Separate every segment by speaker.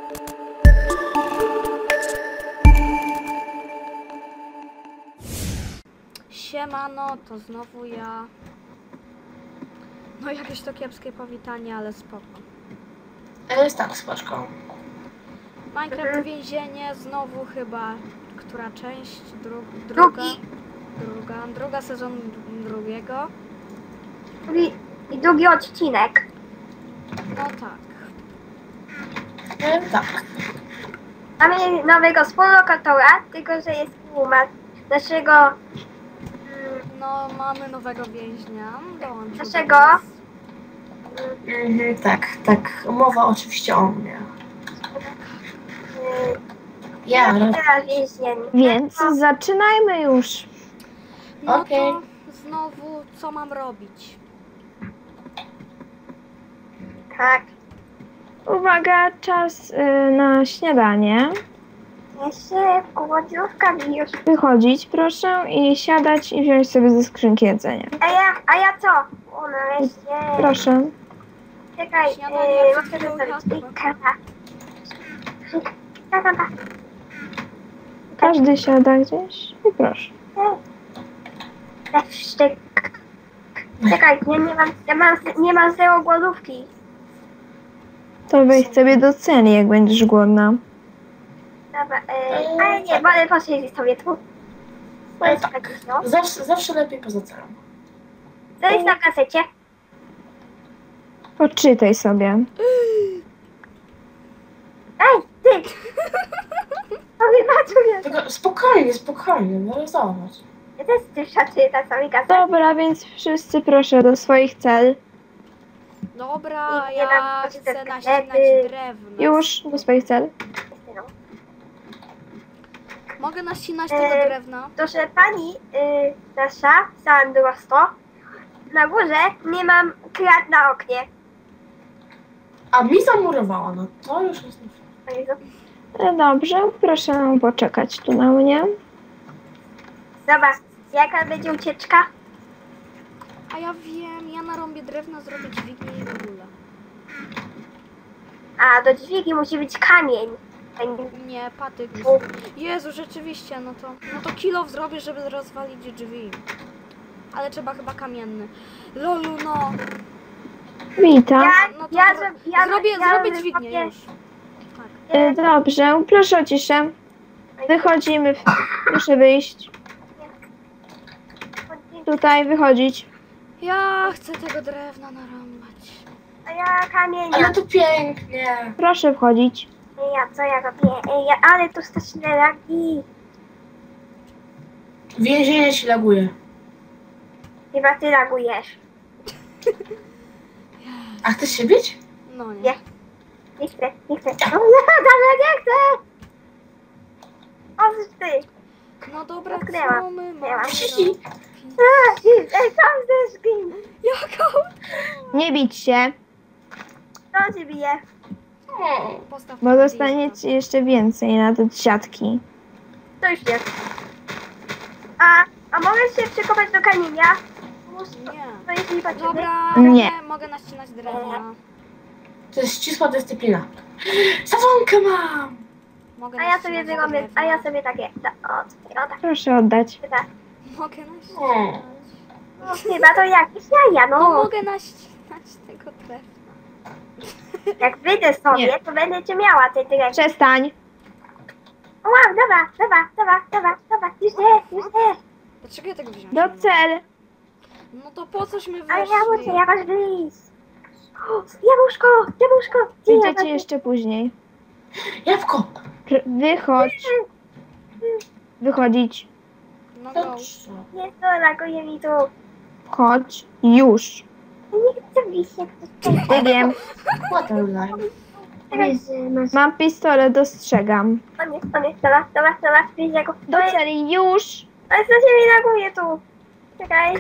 Speaker 1: Siemano, to znowu ja. No jakieś to kiepskie powitanie, ale spoko.
Speaker 2: Jest tak, spoczko.
Speaker 1: Minecraft więzienie, znowu chyba. Która część? Druga sezon drugiego.
Speaker 3: I drugi odcinek.
Speaker 1: No tak.
Speaker 2: Tak.
Speaker 3: Mamy nowego współlokatora, tylko że jest naszego
Speaker 1: No mamy nowego więźnia. Dołączył do
Speaker 3: Naszego?
Speaker 1: nas.
Speaker 2: Tak. Mowa oczywiście o mnie. Ja,
Speaker 3: teraz więźniem.
Speaker 4: Więc zaczynajmy już.
Speaker 1: No
Speaker 2: Okej.
Speaker 1: to znowu co mam robić?
Speaker 3: Tak.
Speaker 4: Uwaga, czas na śniadanie.
Speaker 3: Jeszcze głodówka mi już.
Speaker 4: Wychodzić proszę i siadać i wziąć sobie ze skrzynki jedzenia.
Speaker 3: A ja co? O, nareszcie.
Speaker 4: Proszę.
Speaker 3: Czekaj,
Speaker 1: Śniadanie
Speaker 3: muszę
Speaker 1: przed chwilą
Speaker 3: zostawić
Speaker 1: jadłem.
Speaker 3: kara.
Speaker 4: Każdy siada gdzieś i proszę.
Speaker 3: Czekaj, nie mam zero głodówki.
Speaker 4: To wejdź sobie do celi, jak będziesz głodna.
Speaker 3: Dobra, ale nie, wolę posiedzieć sobie tu. To jest
Speaker 2: tak.
Speaker 3: tak, no.
Speaker 2: Zawsze lepiej poza celem.
Speaker 3: Co jest na kasecie?
Speaker 4: Poczytaj sobie.
Speaker 3: Ej, ty! Wybaczuję.
Speaker 2: Tylko spokojnie, no zobacz.
Speaker 3: Ja też chcę przeczytać sobie gazetę.
Speaker 4: Dobra, więc wszyscy proszę do swoich cel.
Speaker 1: Dobra,
Speaker 3: Nie
Speaker 1: ja
Speaker 3: dam
Speaker 1: chcę
Speaker 3: poczytać
Speaker 1: naścinać
Speaker 3: gazety.
Speaker 1: drewno.
Speaker 4: Już do swoich cel.
Speaker 1: Mogę naścinać tego drewna?
Speaker 3: Proszę pani, nasza, Sandrosto, na górze nie mam krat na oknie.
Speaker 2: A mi zamurowała, no to już jest nie fair.
Speaker 3: O Jezu.
Speaker 4: Dobrze, proszę poczekać tu na mnie.
Speaker 3: Zobacz, jaka będzie ucieczka?
Speaker 1: A ja wiem, ja narąbię drewna, zrobię dźwignię i w ogóle.
Speaker 3: A do dźwigi musi być kamień.
Speaker 1: Nie, patyk. Jezu, rzeczywiście, no to kilof zrobię, żeby rozwalić drzwi. Ale trzeba chyba kamienny. Lolu, no.
Speaker 4: Witam.
Speaker 1: No to zrobię dźwignię już. Tak.
Speaker 4: Dobrze, proszę o ciszę. Wychodzimy. Muszę wyjść. Tutaj wychodzić.
Speaker 1: Ja chcę tego drewna narąbać.
Speaker 3: A ja kamień.
Speaker 2: Ale to pięknie.
Speaker 4: Proszę wchodzić.
Speaker 3: Co ja robię? Ale tu straszne lagi.
Speaker 2: Więzienie ci laguje.
Speaker 3: Chyba ty lagujesz.
Speaker 2: A chcesz się bić?
Speaker 1: No nie.
Speaker 3: Nie. Nie chcę. O, dobra, nie chcę. O, ty.
Speaker 1: No dobra,
Speaker 3: Odkryłam.
Speaker 1: co my
Speaker 3: Odkryłam.
Speaker 1: mamy
Speaker 2: Ciśnij.
Speaker 1: robić?
Speaker 3: Sam ze szkim.
Speaker 1: Jaką?
Speaker 4: Nie bić się,
Speaker 3: Kto cię bije?
Speaker 1: Postaw
Speaker 4: bo dostaniecie jeszcze więcej na te siatki.
Speaker 3: To już jest. A możesz się przekopać do kamienia?
Speaker 1: Nie.
Speaker 3: To jest niepotrzebne.
Speaker 1: Dobra,
Speaker 4: Nie.
Speaker 1: mogę naścinać drewna.
Speaker 2: To jest ścisła dyscyplina. Sawonkę mam!
Speaker 1: Mogę
Speaker 3: A ja sobie
Speaker 1: naścinać
Speaker 3: wyrobię,
Speaker 1: drewna.
Speaker 3: a ja sobie takie, o tak,
Speaker 4: Proszę oddać.
Speaker 3: tak.
Speaker 1: Mogę naścinać.
Speaker 3: No, chyba to jakieś jaja,
Speaker 1: No
Speaker 3: no.
Speaker 1: mogę naścinać tego drewna.
Speaker 3: Jak wyjdę sobie,
Speaker 4: Nie.
Speaker 3: to będę cię miała, ty tyle.
Speaker 4: Przestań.
Speaker 3: O, wow, dobra, już nie.
Speaker 1: Dlaczego ja tego wziąłem?
Speaker 4: Do cel.
Speaker 1: No to po cośmy
Speaker 3: Ale
Speaker 1: weszli?
Speaker 3: ja muszę jakoś wyjść. O, jabłuszko. Gdzie
Speaker 4: Wyjdziecie
Speaker 3: jabłuszko?
Speaker 4: jeszcze później.
Speaker 2: Jabłko!
Speaker 4: Wychodź. Wychodzić.
Speaker 1: No go.
Speaker 2: Dobrze.
Speaker 3: Nie, to laguje mi tu.
Speaker 4: Chodź. Już.
Speaker 3: Ja nie chcę wyjść, jak to
Speaker 4: Nie wiem.
Speaker 2: What a life.
Speaker 3: masz.
Speaker 4: Mam pistolet, dostrzegam.
Speaker 3: O nie, dobra, wyjść jako.
Speaker 4: Do celi. Już.
Speaker 3: Ale co się mi laguje tu? Czekaj.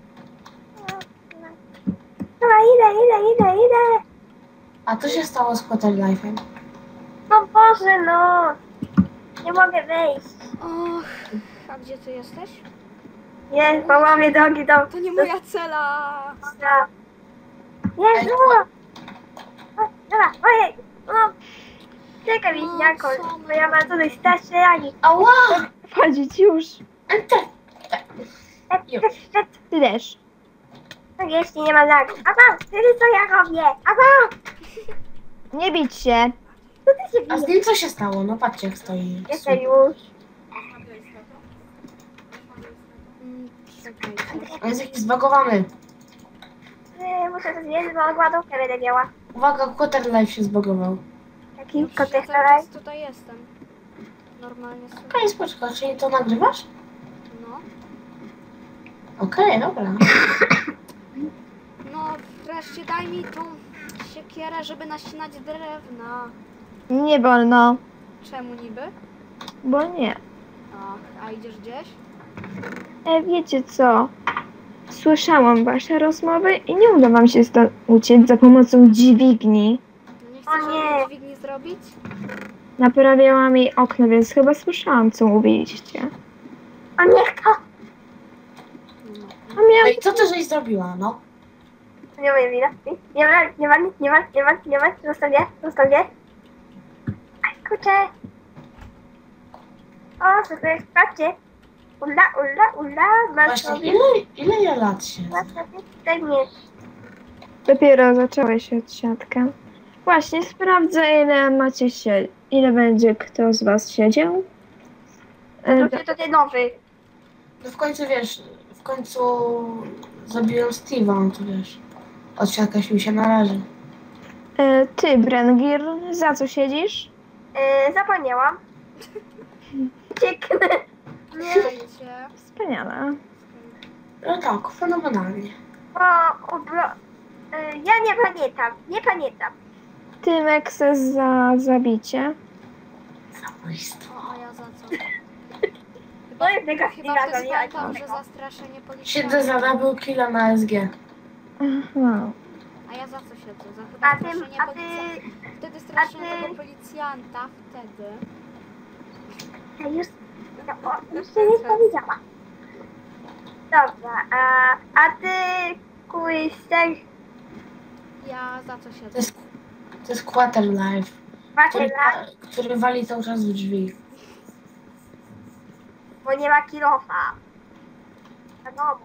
Speaker 3: Dobra, idę.
Speaker 2: A co się stało z Hotel Life'em?
Speaker 3: No Boże, no. Nie mogę wejść.
Speaker 1: Och, a gdzie ty jesteś?
Speaker 3: Nie, połamie drogi do...
Speaker 1: To nie moja cela.
Speaker 3: Jezu! O, dobra, ojej! No, Czekaj,
Speaker 1: No,
Speaker 3: wieśniako,
Speaker 1: co
Speaker 3: bo ja mam tutaj strasznie.
Speaker 2: Ała!
Speaker 4: Wchodzić już.
Speaker 2: Enter! Już.
Speaker 4: Ty też.
Speaker 3: Tak, jeśli nie ma lagu. Aba, wtedy co ja robię? Aba,
Speaker 4: Nie bić się.
Speaker 3: co ty się
Speaker 2: A z
Speaker 3: bijesz?
Speaker 2: nim co się stało? No patrzcie jak stoi.
Speaker 3: Jestem już.
Speaker 1: Czekajcie.
Speaker 2: On jest jakiś zbagowany.
Speaker 3: Muszę to zjeść, bo ładówkę będę miała.
Speaker 2: Uwaga, Quarter Life się zbagował.
Speaker 3: Taki
Speaker 1: Cały
Speaker 3: kotek
Speaker 1: czas tutaj jestem. Normalnie sobie.
Speaker 2: Okej, spoczko, czyli to nagrywasz?
Speaker 1: No.
Speaker 2: Okej, dobra.
Speaker 1: No wreszcie daj mi tą siekierę, żeby naścinać drewna.
Speaker 4: Nie wolno.
Speaker 1: Czemu niby?
Speaker 4: Bo nie.
Speaker 1: Ach, a idziesz gdzieś?
Speaker 4: Wiecie co? Słyszałam wasze rozmowy i nie uda wam się stąd uciec za pomocą dźwigni.
Speaker 1: No nie
Speaker 3: O
Speaker 1: chcesz
Speaker 3: nie.
Speaker 1: żadnej dźwigni zrobić?
Speaker 4: Naprawiałam jej okno, więc chyba słyszałam, co mówiliście.
Speaker 3: O niech to!
Speaker 1: No.
Speaker 4: A miałam...
Speaker 2: Ej, co ty żeś zrobiła, no?
Speaker 3: Nie moja wina. Nie ma. Zostaw mnie. Aj, kurczę. O, sobie sprawdźcie. Ula, masz
Speaker 2: Właśnie,
Speaker 3: sobie,
Speaker 2: ile ja lat się?
Speaker 3: masz sobie tutaj mnie.
Speaker 4: Dopiero zaczęłeś odsiadkę. Właśnie sprawdzę, ile macie się... Ile będzie kto z was siedział.
Speaker 3: To ten nowy.
Speaker 2: No w końcu wiesz, w końcu zabiłem Steve'a, no to wiesz. Odsiadka się mi się należy.
Speaker 4: Ty, Brengir, za co siedzisz?
Speaker 3: Zapomniałam. Cieknę.
Speaker 1: Słuchajcie.
Speaker 4: Wspaniale.
Speaker 2: No tak, fenomenalnie.
Speaker 3: Ja nie pamiętam.
Speaker 4: Ty, Mekses, za zabicie.
Speaker 2: Zabójstwo.
Speaker 1: O, a ja za co?
Speaker 3: To jest
Speaker 1: Chyba
Speaker 3: negatywna
Speaker 1: ktoś pamiętał, że
Speaker 3: zamiana.
Speaker 1: zastraszenie
Speaker 2: Siedzę
Speaker 1: policjanta.
Speaker 2: za double killa na SG.
Speaker 4: Aha.
Speaker 1: A ja za co siedzę? Za chyba
Speaker 3: A ty,
Speaker 1: straszenie policjanta. Wtedy straszenie
Speaker 3: ty-
Speaker 1: tego policjanta, wtedy.
Speaker 3: Ja już się nie powiedziała. Dobra, a ty, Kuister,
Speaker 1: Ja za co siedzę?
Speaker 2: To jest Quarter Life,
Speaker 3: macie lat,
Speaker 2: który wali cały czas w drzwi.
Speaker 3: bo nie ma kilofa. Wiadomo.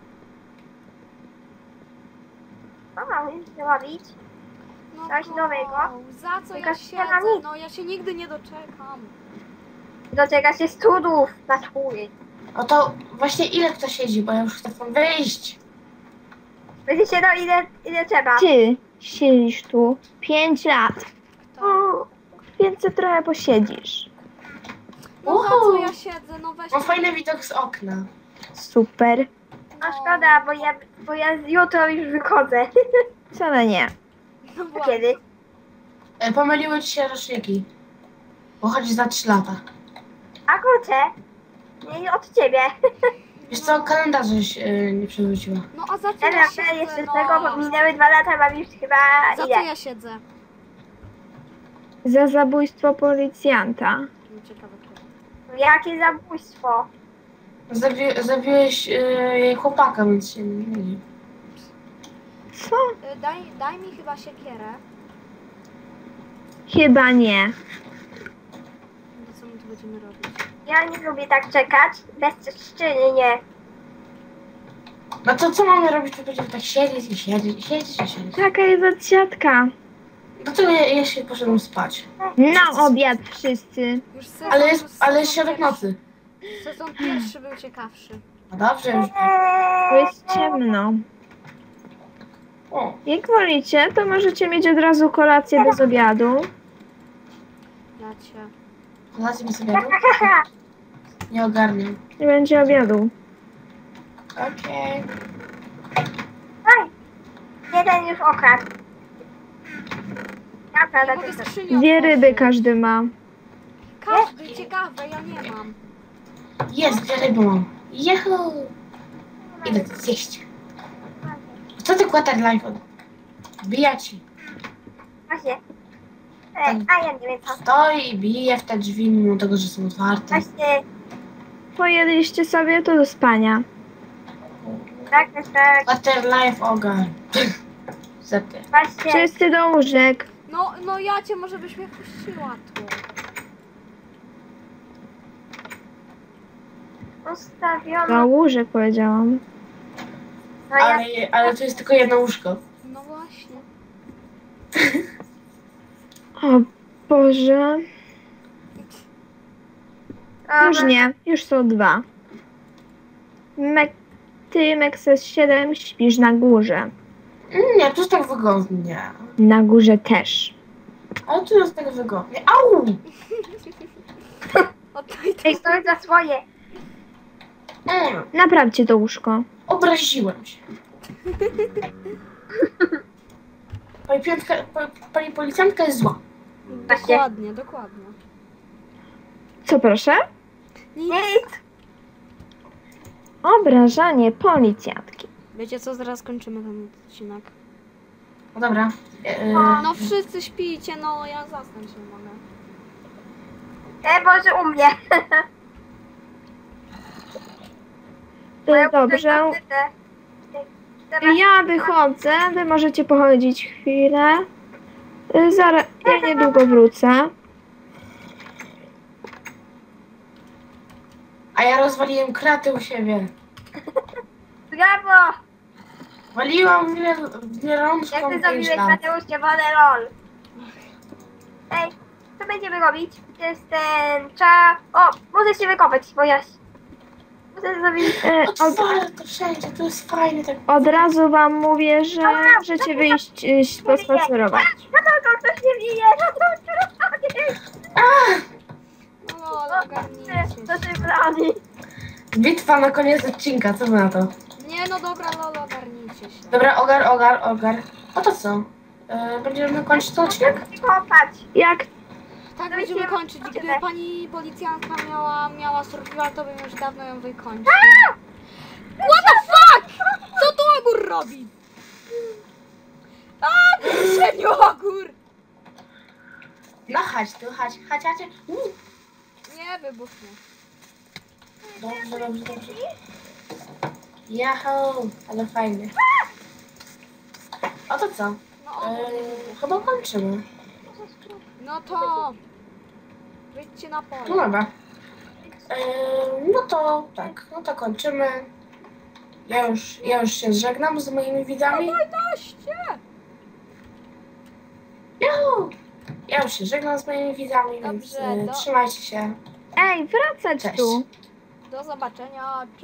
Speaker 3: Co mam zrobić?
Speaker 1: No
Speaker 3: Coś nowego?
Speaker 1: Za co
Speaker 3: Tylko
Speaker 1: ja
Speaker 3: się na
Speaker 1: siedzę?
Speaker 3: nic.
Speaker 1: No ja się nigdy nie doczekam.
Speaker 3: Doczeka się studów na szkół.
Speaker 2: No to właśnie ile kto siedzi, bo ja już chcę tam wyjść.
Speaker 3: Będzie się no ile trzeba.
Speaker 4: Ty siedzisz tu 5 lat,
Speaker 1: Kto?
Speaker 4: więc ty trochę posiedzisz.
Speaker 1: No za co ja siedzę? No weź.
Speaker 2: Mam fajny widok z okna.
Speaker 4: Super.
Speaker 3: No szkoda, bo ja jutro już wychodzę.
Speaker 4: Wcale nie.
Speaker 1: No właśnie.
Speaker 3: Kiedy?
Speaker 2: Pomyliły ci się roczniki. Bo chodzi za 3 lata.
Speaker 3: A kurczę, nie od ciebie.
Speaker 2: Wiesz co, kalendarz nie przewróciła.
Speaker 1: No a za co ja
Speaker 3: Dobra,
Speaker 1: siedzę?
Speaker 3: jeszcze z
Speaker 1: No.
Speaker 3: tego, bo minęły 2 lata, mam już chyba
Speaker 1: Za co
Speaker 3: ile?
Speaker 1: ja siedzę?
Speaker 4: Za zabójstwo policjanta.
Speaker 1: No, ciekawe kto.
Speaker 3: Jakie zabójstwo.
Speaker 2: Zabiłeś jej chłopaka, więc się nie myli.
Speaker 4: Co?
Speaker 1: Daj mi chyba siekierę.
Speaker 4: Chyba nie.
Speaker 1: No co my tu będziemy robić?
Speaker 3: Ja nie lubię tak czekać, bezczynnie.
Speaker 2: No to co mamy robić? To będziemy tak siedzieć i siedzieć.
Speaker 4: Taka jest odsiadka.
Speaker 2: No to ja się poszedłem spać.
Speaker 4: Na obiad wszyscy.
Speaker 1: Już sezon,
Speaker 2: Ale
Speaker 1: sezon
Speaker 2: środek
Speaker 1: pierwszy-
Speaker 2: nocy.
Speaker 1: Sezon pierwszy był ciekawszy.
Speaker 2: No dobrze, już.
Speaker 4: Tu jest ciemno.
Speaker 2: O,
Speaker 4: Jak wolicie, to możecie mieć od razu kolację bez obiadu.
Speaker 1: Dacie.
Speaker 2: kolację mi sobie jadł? Nie ogarniam.
Speaker 4: Nie będzie obiadu.
Speaker 2: Okej.
Speaker 3: Oj, jeden już okradł. Ja
Speaker 1: Nie
Speaker 3: prawda
Speaker 1: mogę
Speaker 3: też.
Speaker 1: skrzyni
Speaker 4: 2 ryby
Speaker 1: otworzyć.
Speaker 4: każdy ma.
Speaker 1: Każdy, ciekawe, ja nie mam.
Speaker 2: Jest, 2 ryby mam. Jehu! Idę to zjeść. Co ty Quarter Life od... Bija ci.
Speaker 3: Właśnie. A ja nie wiem co.
Speaker 2: Stoi i bije w te drzwi, mimo tego, że są otwarte.
Speaker 3: Właśnie,
Speaker 4: Pojedliście sobie, to do spania.
Speaker 3: tak.
Speaker 2: Quarter Life ogar. Zepie.
Speaker 3: Właśnie,
Speaker 4: Wszyscy do łóżek.
Speaker 1: No ja cię może byś mnie puściła tu.
Speaker 3: Ustawiono.
Speaker 4: Na łóżek powiedziałam.
Speaker 3: No ja
Speaker 2: Ale to jest tylko jedno łóżko.
Speaker 1: No właśnie.
Speaker 4: O Boże. Już
Speaker 3: Dobra.
Speaker 4: nie, już są 2. Ty, Mexes 7, śpisz na górze.
Speaker 2: Nie, tu jest tak wygodnie.
Speaker 4: Na górze też.
Speaker 2: Ale tu jest tak wygodnie. Au!
Speaker 1: O to i to.
Speaker 3: Ej, stoi za swoje.
Speaker 4: Naprawcie to łóżko.
Speaker 2: Obraziłem się. Pani policjantka jest zła.
Speaker 1: Dokładnie, dokładnie.
Speaker 4: Co proszę?
Speaker 3: Nic.
Speaker 4: Obrażanie policjantki.
Speaker 1: Wiecie co, zaraz kończymy ten odcinek.
Speaker 2: No dobra.
Speaker 1: No wszyscy śpijcie, no ja zasnąć nie mogę.
Speaker 3: Boże, u mnie.
Speaker 4: Dobrze. Ja wychodzę, wy możecie pochodzić chwilę. Zaraz, ja niedługo wrócę.
Speaker 2: A ja rozwaliłem kraty u siebie.
Speaker 3: Brawo.
Speaker 2: Waliłam wielączką
Speaker 3: Jak ty
Speaker 2: 5
Speaker 3: zrobiłeś
Speaker 2: lat.
Speaker 3: Mateusz, nie lol. Ej, co będziemy robić? To jest ten O, możesz się wykopać, bo ja... Muszę zrobić...
Speaker 2: Otwarte to wszędzie, to jest fajne. Tak.
Speaker 4: Od razu wam mówię, że możecie wyjść pospacerować.
Speaker 3: No to ktoś nie bije, no to
Speaker 1: No ogarnijcie
Speaker 3: to
Speaker 1: się.
Speaker 3: się broni.
Speaker 2: Bitwa na koniec odcinka, co wy na to?
Speaker 1: Nie no dobra, lol, ogarnijcie się.
Speaker 2: Dobra, ogar. A to co? Będziemy kończyć ten odcinek?
Speaker 3: Kopać.
Speaker 4: Jak
Speaker 1: Tak
Speaker 3: No
Speaker 1: będziemy
Speaker 3: i
Speaker 1: kończyć. Gdyby
Speaker 3: tyle.
Speaker 1: pani policjantka miała survival, to bym już dawno ją wykończył. What the fuck? Co tu ogór robi? A, serio ogór!
Speaker 2: No chodź tu, chodź.
Speaker 1: Nie wybuchnie.
Speaker 2: Dobrze. Yahoo, ale fajnie. A to co?
Speaker 1: No ogór nie wybuchł.
Speaker 2: Chyba kończymy.
Speaker 1: No to... Wyjdźcie na
Speaker 2: No
Speaker 1: pole.
Speaker 2: dobra. No to tak, no to kończymy. Ja już się żegnam z moimi widzami.
Speaker 1: 11!
Speaker 2: Yahoo! Ja już się żegnam z moimi widzami, więc
Speaker 1: Dobrze,
Speaker 2: trzymajcie się.
Speaker 4: Ej, wracać
Speaker 2: Cześć.
Speaker 4: tu.
Speaker 1: Do zobaczenia.